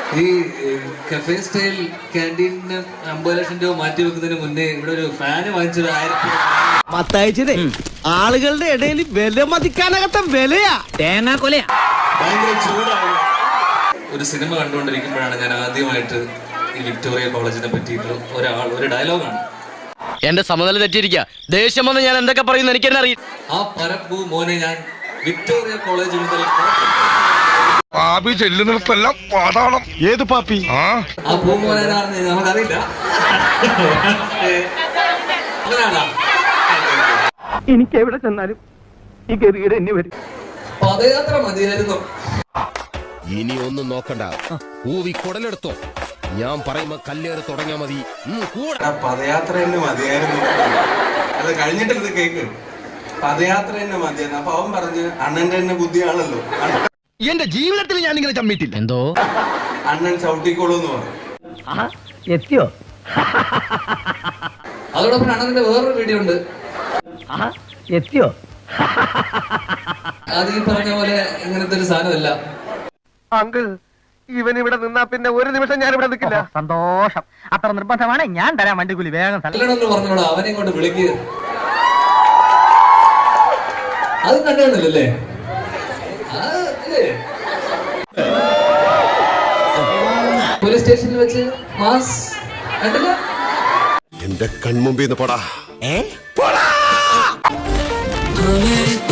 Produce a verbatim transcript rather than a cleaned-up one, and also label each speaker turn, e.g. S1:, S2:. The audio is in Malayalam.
S1: ഈ കഫേ സ്റ്റൈൽ ക്യാൻറ്റീനിന് അമ്പത് ലക്ഷം രൂപ മാറ്റി വെക്കുന്നതിന് മുന്നേ ഇവിടെ ഒരു ഫാന് വാങ്ങിച്ചത് ആയിരത്തി
S2: മത്തായിച്ചേ ആളുകളുടെ ഇടയിൽ വില മതിക്കാനകത്ത വിലയാ തേങ്ങാ കൊലയാ.
S1: ഭയങ്കര ചൂടാണ്. ഒരു സിനിമ കണ്ടുകൊണ്ടിരിക്കുമ്പോഴാണ് ഞാൻ ആദ്യമായിട്ട് ഈ വിക്ടോറിയ കോളേജിനെ പറ്റിയിട്ട് ഒരാൾ ഒരു ഡയലോഗാണ്.
S3: എന്റെ സമനില തെറ്റിയിരിക്കുക. ദേഷ്യം വന്ന് ഞാൻ എന്തൊക്കെ പറയുന്നു എനിക്ക് തന്നെ അറിയാം.
S1: ആ പരപ്പു മോനെ ഞാൻ വിക്ടോറിയ കോളേജ് മുതൽ
S4: പാപ്പി ചെല്ലുന്നിടത്തെല്ലാം പാതാളം.
S5: ഏത് പാപ്പി?
S1: ആ പൂമോനാണെന്ന് നമുക്കറിയില്ല. അങ്ങനെയാണോ?
S2: എനിക്ക് എവിടെ ചെന്നാലും ഈ ഗതികേട് എന്നെ വരും.
S1: പദയാത്ര മതിയായിരുന്നു.
S6: ഇനി ഒന്നും നോക്കണ്ട, ഊവി കുടലെടുത്തോ. ഞാൻ പറയുമ്പോ കല്ലേറ് തുടങ്ങിയാ മതി.
S7: പദയാത്ര തന്നെ മതിയായിരുന്നു. അത് കഴിഞ്ഞിട്ടത് കേക്ക് പദയാത്ര തന്നെ മതിയായിരുന്നു. അപ്പൊ അവൻ പറഞ്ഞ് അണ്ണന്റെ തന്നെ ബുദ്ധിയാണല്ലോ,
S5: എന്റെ ജീവിതത്തിൽ ഞാൻ ഇങ്ങനെ ചമ്മിട്ടില്ല.
S3: എന്തോ
S7: അണ്ണൻ ചവിട്ടിക്കോളൂ എന്ന് പറഞ്ഞു.
S2: എത്തിയോ?
S1: അതോടൊപ്പം അണ്ണന്റെ വേറൊരു വീഡിയോ ഉണ്ട്.
S2: എത്തിയോ?
S1: അത് ഈ പറഞ്ഞ പോലെ ഇങ്ങനത്തെ ഒരു സാധനമല്ല.
S2: അങ്കിൾ, ഇവൻ ഇവിടെ നിന്നാ പിന്നെ ഒരു നിമിഷം ഞാൻ ഇവിടെ നിൽക്കില്ല. സന്തോഷം. അത്ര നിർബന്ധമാണ്. ഞാൻ തരാം വണ്ടിക്കൂലി. വേഗം
S1: നല്ലോണമെന്ന് പറഞ്ഞോളൂ. അവനെ ഇങ്ങോട്ട് വിളിക്കുക. അത് കണ്ടില്ലല്ലേ? പോലീസ് സ്റ്റേഷനിൽ വെച്ച് മാസ് കണ്ടില്ല?
S6: എന്റെ കൺമുമ്പിൽ നിന്ന് പോടാ.